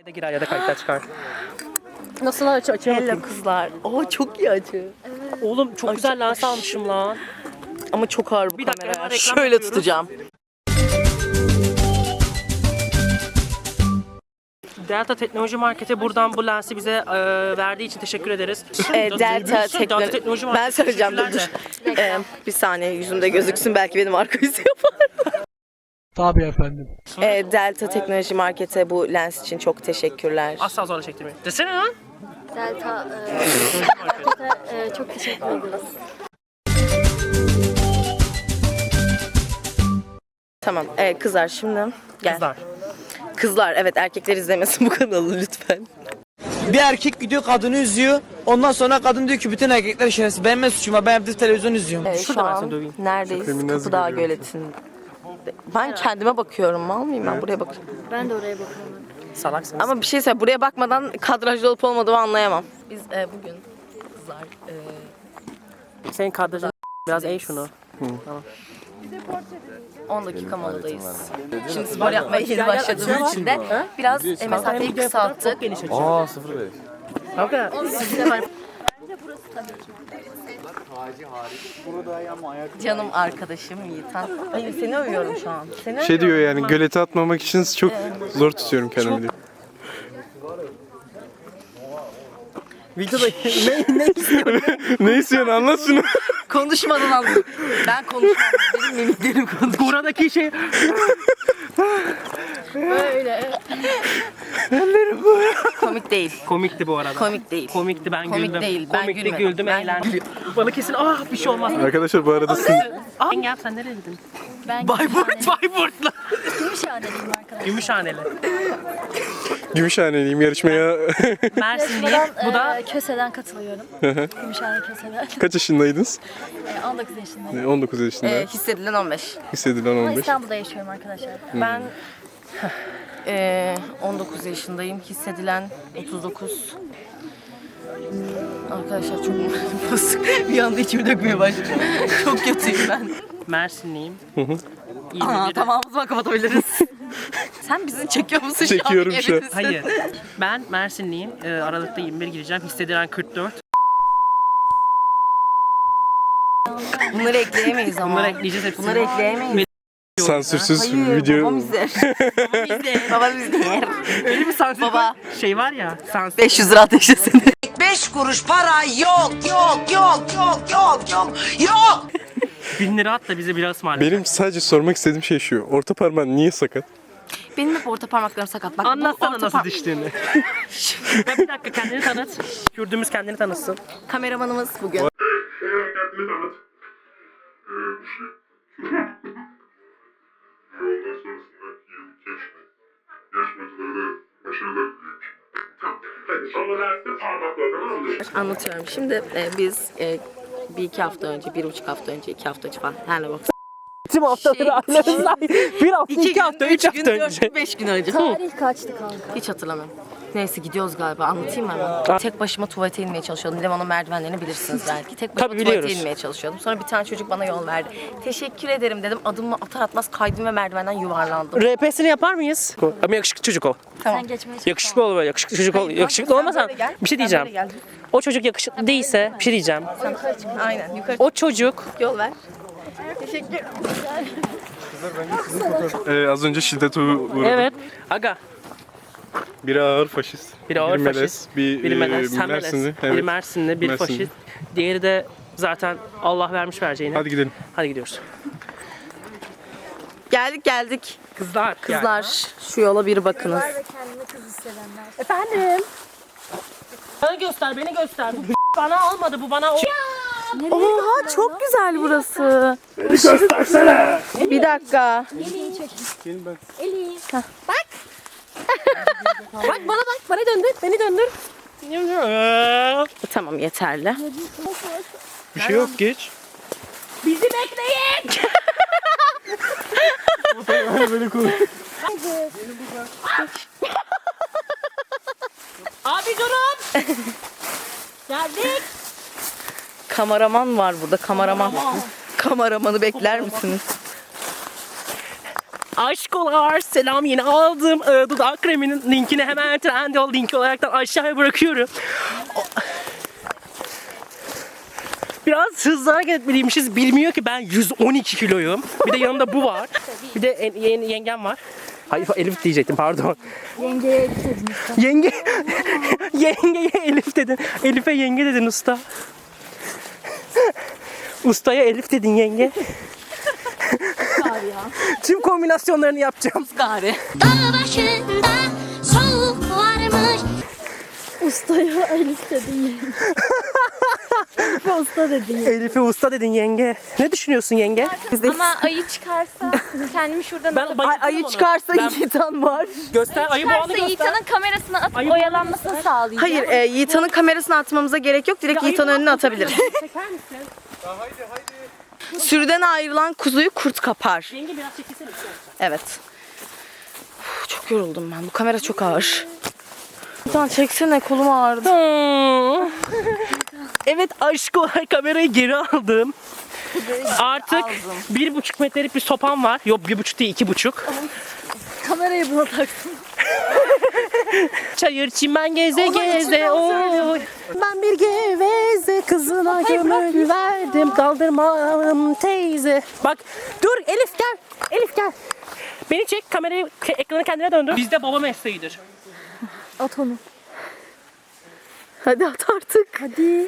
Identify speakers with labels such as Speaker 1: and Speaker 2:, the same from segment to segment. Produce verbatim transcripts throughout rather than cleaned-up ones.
Speaker 1: de girer ya da kayıtlar çıkar. Nasıl açı açı
Speaker 2: Hello kızlar. Oo çok iyi açı.
Speaker 1: Evet. Oğlum çok Ay, güzel lens almışım lan.
Speaker 2: Ama çok ağır bu
Speaker 1: bir
Speaker 2: kamera.
Speaker 1: Dakika,
Speaker 2: Şöyle
Speaker 1: yapıyoruz.
Speaker 2: tutacağım.
Speaker 1: Delta Teknoloji Market'e buradan bu lensi bize e, verdiği için teşekkür ederiz.
Speaker 2: E, Delta Teknoloji.
Speaker 1: Teknoloji
Speaker 2: Ben söyleyeceğim dur dur. E, bir saniye yüzümde gözüksün belki benim arka yüzü yapar.
Speaker 3: Tabii efendim.
Speaker 2: E, Delta Teknoloji Market'e bu lens için çok teşekkürler.
Speaker 1: Asla zorla çektirmeyin. Desene lan.
Speaker 4: Delta e, e, çok teşekkür ederiz.
Speaker 2: Tamam e, kızlar şimdi gel.
Speaker 1: Kızlar.
Speaker 2: Kızlar evet erkekler izlemesin bu kanalı lütfen.
Speaker 5: Bir erkek gidiyor kadını üzüyor. Ondan sonra kadın diyor ki bütün erkekler şerefsiz. Benim ne suçum var? Ben evde televizyon izliyorum.
Speaker 2: E,
Speaker 1: Şurada
Speaker 2: şu
Speaker 1: ben
Speaker 2: an
Speaker 1: seni döveyim.
Speaker 2: neredeyiz? Kapıdağ Göleti'nde. Ben kendime bakıyorum mal mıyım ben buraya bakıyorum.
Speaker 4: Ben de oraya bakıyorum.
Speaker 1: Salaksınız.
Speaker 2: Ama bir şey söyle buraya bakmadan kadrajda olup olmadığımı anlayamam. Biz e, bugün kızlar e,
Speaker 1: Senin kadrajın biraz eğ şunu. Tamam.
Speaker 2: on dakika moladayız. Şimdi spor yapmaya yeni başladığımız için de biraz e, mesafeyi kısalttık.
Speaker 6: Aa sıfır beş.
Speaker 1: Kanka.
Speaker 2: Canım arkadaşım Yiğitan. Ay seni övüyorum şu an. Seni
Speaker 6: Şey diyor
Speaker 2: övüyorum.
Speaker 6: yani gölete atmamak için çok zor tutuyorum kendimi diyor.
Speaker 1: Videoda ne, ne istiyorsun?
Speaker 6: Ne istiyorsun anlat şunu.
Speaker 2: Konuşmadan anladım. Ben konuşmam. Benim mimiklerim konuşuyor.
Speaker 1: Buradaki şey...
Speaker 4: Böyle.
Speaker 2: Komik değil.
Speaker 1: Komikti bu arada.
Speaker 2: Komik değil.
Speaker 1: Komikti ben
Speaker 2: Komik
Speaker 1: güldüm.
Speaker 2: değil, ben
Speaker 1: Komikti
Speaker 2: gülmedim.
Speaker 1: güldüm
Speaker 2: Ben
Speaker 1: eğlendim. Bana kesin ah bir şey olmaz.
Speaker 6: Arkadaşlar bu arada sizin
Speaker 1: Ah gel sen nereye gittin?
Speaker 4: Ben
Speaker 1: Bayburt. Bayburt'la.
Speaker 4: Gümüşhane'liyim arkadaşlar.
Speaker 1: Gümüşhaneli.
Speaker 6: Gümüşhaneliyim yarışmaya.
Speaker 1: Mersinliyim. Bu da
Speaker 4: e, Köse'den katılıyorum. Gümüşhane Köse'den.
Speaker 6: Kaç yaşındaydınız?
Speaker 4: E, on dokuz yaşındayım.
Speaker 6: on dokuz yaşında.
Speaker 2: Ee, hissedilen on beş.
Speaker 6: Hissedilen
Speaker 4: Ama
Speaker 6: on beş.
Speaker 4: İstanbul'da yaşıyorum arkadaşlar.
Speaker 2: Ben ee, on dokuz yaşındayım. Hissedilen otuz dokuz. Arkadaşlar çok basık. Bir anda içimi dökmeye başladı. Çok kötüyüm ben.
Speaker 1: Mersinliyim.
Speaker 2: Aa, tamam o zaman kapatabiliriz. Sen bizi çekiyor musun şu an?
Speaker 6: Çekiyorum şu an.
Speaker 2: Emin misin?
Speaker 1: Hayır. Ben Mersinliyim. Ee, Aralıkta yirmi bir gireceğim. Hissedilen kırk dört.
Speaker 2: Bunları ekleyemeyiz ama.
Speaker 1: Bunları ekleyeceğiz hepsini.
Speaker 2: Bunları ekleyemeyiz.
Speaker 6: Sansürsüz
Speaker 2: Hayır,
Speaker 6: video.
Speaker 2: babam izler. babam izler.
Speaker 1: Öyle bir sansür
Speaker 2: Baba.
Speaker 1: şey var ya. Sansür.
Speaker 2: beş yüz lira ateşlesin.
Speaker 7: Beş kuruş para yok yok yok yok yok yok yok.
Speaker 1: Bin lira at da bize biraz ısmarla.
Speaker 6: Benim sadece sormak istediğim şey şu. Orta parmağın niye sakat?
Speaker 2: Benim hep orta parmaklarım sakat. Bak, bu
Speaker 1: Anlatsana
Speaker 2: orta
Speaker 1: nasıl
Speaker 2: par-
Speaker 1: düştüğünü. Ya bir dakika kendini tanıt. Kürdümüz kendini tanıtsın.
Speaker 2: Kameramanımız bugün.
Speaker 8: Kendini tanıt. Ee, bu şey. Ondan sonrasında yirmi yaşlı. Yarışmacılara da başarılar diliyorum. Tamam. Hadi sonra derste parmaklarını alıyoruz.
Speaker 2: Anlatıyorum. Şimdi e, biz e, bir iki hafta önce, bir buçuk hafta önce, iki hafta önce falan. Her ne bak.
Speaker 1: Tüm haftaları anlarız. Bir hafta, iki, hafta, üç hafta
Speaker 2: gün,
Speaker 1: önce.
Speaker 2: dört gün, beş gün önce.
Speaker 4: Tarih kaçtı kanka?
Speaker 2: Hiç hatırlamıyorum. Neyse gidiyoruz galiba. Anlatayım mı hemen? Tek başıma tuvalete inmeye çalışıyordum. Levan'ın merdivenlerini bilirsiniz belki. Tek başıma
Speaker 1: Tabii
Speaker 2: tuvalete
Speaker 1: biliyoruz.
Speaker 2: inmeye çalışıyordum. Sonra bir tane çocuk bana yol verdi. Teşekkür ederim dedim. Adımı atar atmaz kaydım ve merdivenden yuvarlandım.
Speaker 1: R P'sini yapar mıyız? Ama yakışıklı çocuk ol.
Speaker 2: Tamam.
Speaker 4: Sen geçmeye çalış.
Speaker 1: Yakışıklı ol böyle, yakışıklı çocuk ol. Yakışıklı olmasan
Speaker 2: böyle gel.
Speaker 1: bir şey
Speaker 2: Sen
Speaker 1: diyeceğim.
Speaker 2: böyle gel.
Speaker 1: O çocuk yakışıklı değilse bir şey diyeceğim.
Speaker 2: Aynen yukarı
Speaker 1: O çocuk
Speaker 2: yol ver. Teşekkür.
Speaker 6: Ee, az önce şiddete uğradım.
Speaker 1: evet. Aga.
Speaker 6: Biri ağır faşist.
Speaker 1: Biri ağır
Speaker 6: melez,
Speaker 1: faşist.
Speaker 6: Bir,
Speaker 1: Biri
Speaker 6: e,
Speaker 1: melez. Sen melez.
Speaker 6: Mersinli.
Speaker 1: Biri
Speaker 6: Evet.
Speaker 1: Mersinli, biri
Speaker 6: Mersinli.
Speaker 1: faşist. Diğeri de zaten Allah vermiş vereceğini.
Speaker 6: Hadi gidelim.
Speaker 1: Hadi gidiyoruz.
Speaker 2: Geldik geldik.
Speaker 1: Kızlar.
Speaker 2: Kızlar şu yola bir bakınız.
Speaker 4: Ve kendini kız hissedenler.
Speaker 1: Efendim. Bana göster, beni göster. Bu bana almadı, bu bana o.
Speaker 2: Oha çok güzel burası. Beni göstersene. Bir dakika.
Speaker 4: Eli'yi çekin.
Speaker 6: Gelin ben.
Speaker 4: Eli'yi.
Speaker 1: Bak bana bak, bana döndür, beni döndür.
Speaker 2: Tamam yeterli.
Speaker 6: Bir şey yok geç.
Speaker 1: Bizi bekleyin.
Speaker 6: Böyle konuş.
Speaker 1: Abi durun. Geldik.
Speaker 2: Kameraman var burada kameraman. Kameramanı bekler misiniz?
Speaker 1: Aşkolar selam, yeni aldım e, dudak kreminin linkini hemen Trendyol linki olaraktan aşağıya bırakıyorum. Biraz hızlı hareket etmeliymişiz. Bilmiyor ki ben yüz on iki kiloyum. Bir de yanımda bu var. Bir de en- yeni yengem var. Hayır, Elif diyecektim, pardon.
Speaker 4: Yengeye Elif dedin usta.
Speaker 1: Yenge yengeye Elif dedin. Elif'e yenge dedin usta. Ustaya Elif dedin yenge. Tüm kombinasyonlarını yapacağım.
Speaker 2: Gari.
Speaker 9: Dağ başında soğuk varmış.
Speaker 4: Ustaya Elif dedin yenge. Elif'e usta dedin yenge.
Speaker 1: Elif'e usta dedin yenge. Ne düşünüyorsun yenge?
Speaker 4: Ama ayı çıkarsa kendimi şuradan
Speaker 1: Ben
Speaker 4: alıp
Speaker 1: bayıldım
Speaker 2: Ayı
Speaker 1: ona.
Speaker 2: çıkarsa
Speaker 1: Ben-
Speaker 2: Yiğitan var.
Speaker 1: Göster, ayı boğanı
Speaker 4: çıkarsa
Speaker 1: göster.
Speaker 4: Yiğitan'ın kamerasına atıp
Speaker 1: Ayı
Speaker 4: oyalanmasını sağlayacağım.
Speaker 2: Hayır, e, Yiğitan'ın kamerasını atmamıza gerek yok. Direkt Yiğitan'ın önüne atabiliriz.
Speaker 1: Çeker misin?
Speaker 2: Sürüden ayrılan kuzuyu kurt kapar.
Speaker 1: Yenge biraz çekilsene.
Speaker 2: Evet. Uf, çok yoruldum ben. Bu kamera çok ağır. Yiğitan çeksene, kolum ağrıdı.
Speaker 1: Hmm. Evet aşkolar, kamerayı geri aldım. Artık bir buçuk metrelik bir sopam var. Yok, bir buçuk değil, iki buçuk.
Speaker 4: Kamerayı buna taktım.
Speaker 1: Çayır çimen geze geze oy. Ben bir geveze kızına gömül verdim. Kaldırmam teyze. Bak dur Elif gel. Elif gel. Beni çek, kamerayı, ekranı kendine döndür. Bizde baba mesleğidir.
Speaker 4: At onu.
Speaker 2: Hadi at artık.
Speaker 4: Hadi.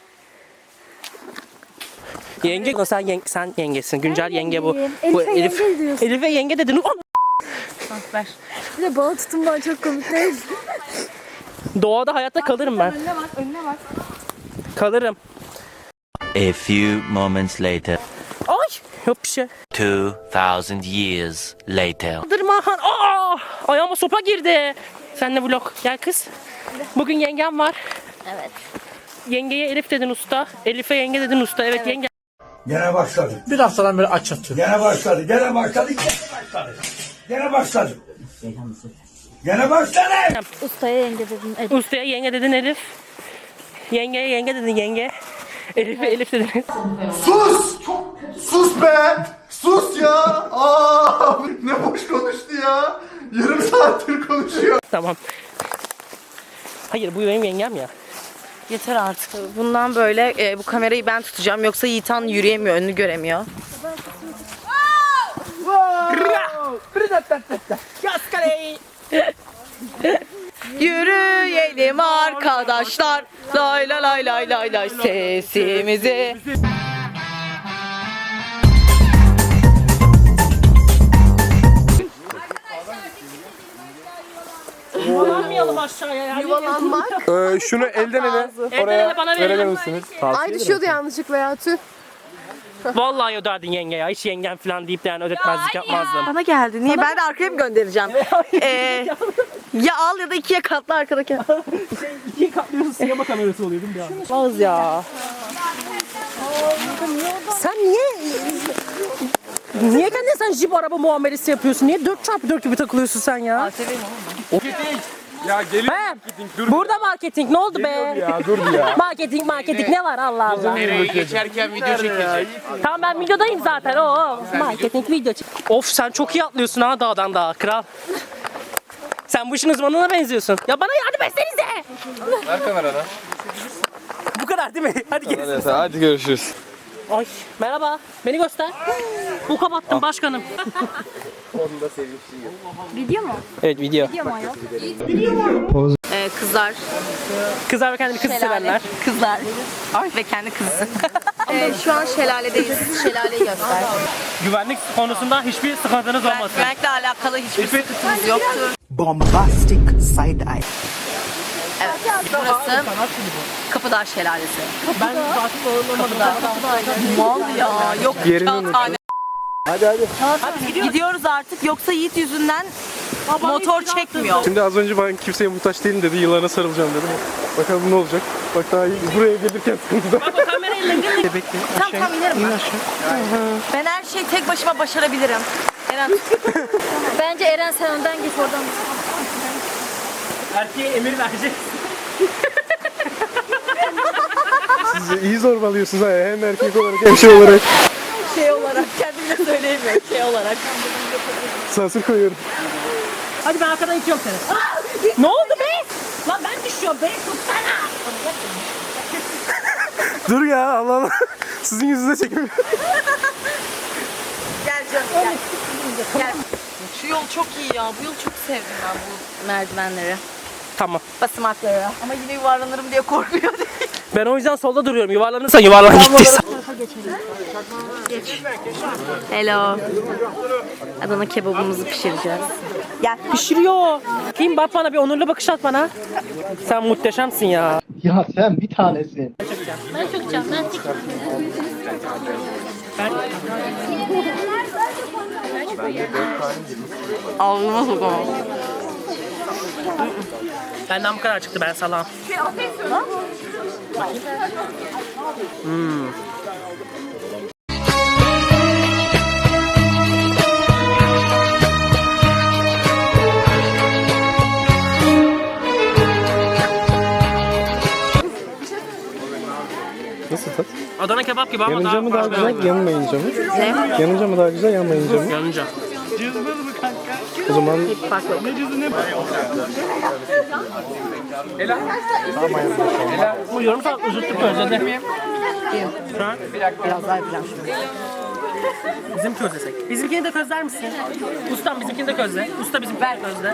Speaker 1: Yenge, sen yenge, sen yengesin. Güncel yenge bu.
Speaker 4: yengeyim.
Speaker 1: Bu
Speaker 4: Elif'e yenge diyorsun.
Speaker 1: Elif'e yenge dedin.
Speaker 2: Ver.
Speaker 4: Bir de bana tutunman çok komik değil.
Speaker 1: Doğada hayatta kalırım ben.
Speaker 4: Önüne bak, önüne bak.
Speaker 1: Kalırım.
Speaker 10: A few moments later,
Speaker 1: Ay yok bir şey.
Speaker 10: two thousand years later.
Speaker 1: Kaldırmahan. Aa! Ayağıma sopa girdi. Sen de vlog. Gel kız. Bugün yengem var.
Speaker 4: Evet.
Speaker 1: Yengeye Elif dedin usta. Elif'e yenge dedin usta. Evet, yenge.
Speaker 3: Gene başladı.
Speaker 5: Bir haftadan beri aç yatıyorum.
Speaker 3: Gene başladı. Gene başladı. Gene başladı. Gene başladı. Gene başladı.
Speaker 4: Ustaya yenge dedin Elif.
Speaker 1: Ustaya yenge dedin Elif. Yengeye yenge dedin yenge. Elif'e Elif dedin.
Speaker 6: Sus! Sus be! Sus ya! Aa, ne boş konuştu ya! Yarım saattir konuşuyor.
Speaker 1: Tamam. Hayır, bu benim yengem ya.
Speaker 2: Yeter artık. Bundan böyle e, bu kamerayı ben tutacağım. Yoksa Yiğitan yürüyemiyor, önünü göremiyor. Yürüyelim arkadaşlar. Lay lay lay lay lay lay sesimizi.
Speaker 1: Yuvalanmayalım aşağıya ya.
Speaker 2: Yuvalanmak.
Speaker 6: Ee, şunu elden ele
Speaker 1: Elden ele bana
Speaker 6: verebilir
Speaker 1: verelim.
Speaker 6: misiniz?
Speaker 2: Ay düşüyordu yanlışlıkla ya, tüh.
Speaker 1: Vallahi öderdin yenge ya. Hiç yengem falan deyip de yani ödetmezlik yapmazdım.
Speaker 2: Bana geldi. Niye? Ben de arkaya mı göndereceğim? Ee, ya al ya da ikiye katla arkadaki.
Speaker 1: İkiye katlıyorsun, sinema kamerası oluyor değil mi ya?
Speaker 2: Olmaz ya.
Speaker 1: Sen niye... Niye kendine sen jip araba muamelesi yapıyorsun? Niye dört çarpı dört gibi takılıyorsun sen ya?
Speaker 6: Ya geliyor
Speaker 1: He,
Speaker 6: marketing, dur
Speaker 1: burada marketing ne oldu be?
Speaker 6: ya, dur ya.
Speaker 1: Marketing marketing ne var Allah Allah.
Speaker 5: Geçerken video çekecek.
Speaker 1: Tamam, ben videodayım zaten. Oo, marketing video çek. Of, sen çok iyi atlıyorsun ha dağdan dağa kral. Sen bu işin uzmanına benziyorsun. Ya bana yardım etsenize.
Speaker 6: Ver kameradan.
Speaker 1: Bu kadar değil mi? Hadi gelin.
Speaker 6: Hadi görüşürüz.
Speaker 1: Ay merhaba. Beni göster. Bu kapattım başkanım.
Speaker 4: Video mu?
Speaker 1: Evet, video.
Speaker 4: Video mu ayol?
Speaker 2: Ee, kızlar.
Speaker 1: Kızlar ve kendini kız sevenler.
Speaker 2: Kızlar. Ay. Ve kendi kızı. ee, şu an şelaledeyiz. Şelaleyi göster.
Speaker 1: Güvenlik konusunda hiçbir sıkıntınız olmasın.
Speaker 2: Güvenlikle alakalı hiçbir sıkıntımız yoktur.
Speaker 5: Bombastic side eye.
Speaker 2: Evet. Burası Kapıdağ Şelalesi.
Speaker 1: Ben zaten
Speaker 2: Kapıdağ. Mal ya. Yok kağıthane.
Speaker 6: Hadi hadi.
Speaker 2: Hadi gidiyoruz artık. Yoksa Yiğit yüzünden motor çekmiyor.
Speaker 6: Şimdi az önce ben kimseye muhtaç değilim dedi, yılana sarılacağım dedim. Bakalım ne olacak. Bak daha iyi. Buraya gelirken sıkıntıda.
Speaker 1: Bak o kamerayla değil mi?
Speaker 2: Tamam tamam inerim ben. Ben her şeyi tek başıma başarabilirim. Eren
Speaker 4: Bence Eren sen önden git oradan.
Speaker 1: Erkeğe emir verecek.
Speaker 6: Siz iyi zorbalıyorsunuz ha, hem erkek olarak hem şey olarak.
Speaker 2: şey olarak kendimle söyleyemiyorum şey olarak.
Speaker 11: Asansör koyuyorum.
Speaker 1: Hadi ben arkadan itiyorum seni. Aa! Ne oldu be? Lan ben düşüyorum. Beni tutsana.
Speaker 11: Dur ya Allah Allah. Sizin yüzünüze çekemiyorum.
Speaker 2: Gel canım gel. Gel. Şu yol çok iyi ya. Bu yolu çok sevdim ben bu merdivenleri.
Speaker 1: Tamam.
Speaker 2: Basamakları. Ama yine yuvarlanırım diye korkuyor değil.
Speaker 1: Ben o yüzden solda duruyorum. Yuvarlanırsan yuvarlan gittiysen.
Speaker 2: Geç. Hello. Adana kebabımızı pişireceğiz. Gel.
Speaker 1: Pişiriyor. Kim bak bana bir onurlu bakış at bana. Sen muhteşemsin ya.
Speaker 11: Ya sen bir tanesin.
Speaker 4: Ben çökeceğim. Ben çekeceğim.
Speaker 2: Ağzıma sokamam.
Speaker 1: Benden bu kadar çıktı ben salam. Hmm.
Speaker 11: Nasıl tat?
Speaker 1: Adana kebap gibi ama
Speaker 11: Yanınca
Speaker 1: daha
Speaker 11: mı daha
Speaker 1: farklı.
Speaker 11: güzel, yanmayınca mı?
Speaker 2: Ne?
Speaker 11: Yanınca mı daha güzel, yanmayınca mı?
Speaker 1: Yanınca.
Speaker 11: O zaman
Speaker 1: Bu yorum saat uzuttuk özledi. Şu an
Speaker 2: Biraz daha yapacağım şimdi.
Speaker 1: bizim közlesek. Bizimkini de közler misin? Ustam bizimkini de közle. Usta bizimkini de közle.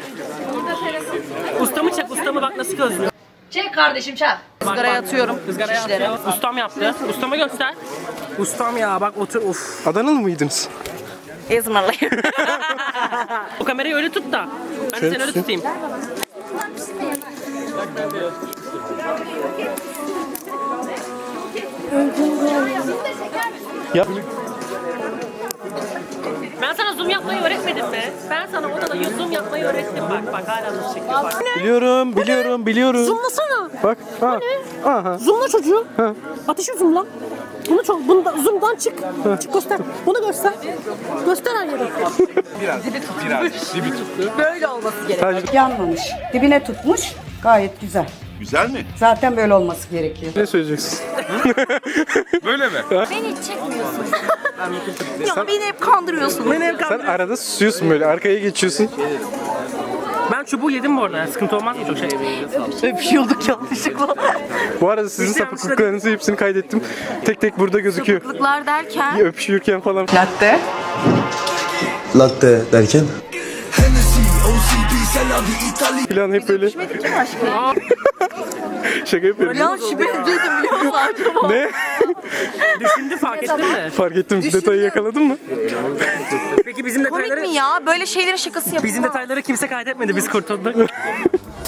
Speaker 1: Ustamı çek, ustamı bak nasıl közlüyor.
Speaker 2: Çek kardeşim çak. Izgaraya atıyorum.
Speaker 1: Izgaraya
Speaker 2: şişleri.
Speaker 1: atıyor. Ustam yaptı. Ustamı göster. Ustam ya bak otur of.
Speaker 11: Adanalı mıydınız?
Speaker 2: İzmirliyim.
Speaker 1: O kamerayı öyle tut da. Ben de
Speaker 11: Şöyle
Speaker 1: seni öyle
Speaker 11: tutayım.
Speaker 1: tutayım.
Speaker 11: Ya
Speaker 1: Ben sana zoom yapmayı öğretmedim mi? Ben sana odada zoom yapmayı öğrettim bak bak hala nasıl çekiyor bak.
Speaker 11: biliyorum, biliyorum, biliyorum.
Speaker 1: Zoomlasana.
Speaker 11: Bak. Ha. Aha.
Speaker 1: Zoomla çocuğu. Ateşi zoomla. Bunu çok, bunu da zoom'dan çık. Çık göster. Bunu göster. Göster her yeri.
Speaker 2: Böyle olması gerekiyor.
Speaker 12: Yanmamış. Dibine tutmuş. Gayet güzel.
Speaker 8: Güzel mi?
Speaker 12: Zaten böyle olması gerekiyor.
Speaker 11: Ne söyleyeceksin?
Speaker 8: Böyle mi?
Speaker 4: Beni hiç çekmiyorsun.
Speaker 2: Ya beni hep kandırıyorsun.
Speaker 1: Beni hep
Speaker 11: Sen
Speaker 1: kandırıyor.
Speaker 11: arada susuyorsun böyle, arkaya geçiyorsun.
Speaker 1: Ben çubuğu yedim bu arada. Yani sıkıntı olmaz mı çok şey?
Speaker 2: Öpüşüyorduk yanlışlıkla.
Speaker 11: Bu arada sizin sapıklıklarınızı hepsini kaydettim. Tek tek burada gözüküyor.
Speaker 2: Sapıklıklar derken.
Speaker 11: Öpüşürken falan.
Speaker 12: Latte.
Speaker 6: Latte derken?
Speaker 11: Falan hep böyle. Şaka yapıyorum.
Speaker 2: Ya şüphe dedim biliyor musun acaba?
Speaker 11: Ne?
Speaker 1: Düşündü fark ettin mi?
Speaker 11: Fark ettim. Detayı yakaladın mı?
Speaker 1: Peki bizim
Speaker 2: Komik
Speaker 1: detayları...
Speaker 2: mi ya? Böyle şeylerin şakası yapılmaz.
Speaker 1: Bizim detayları kimse kaydetmedi. Biz kurtulduk.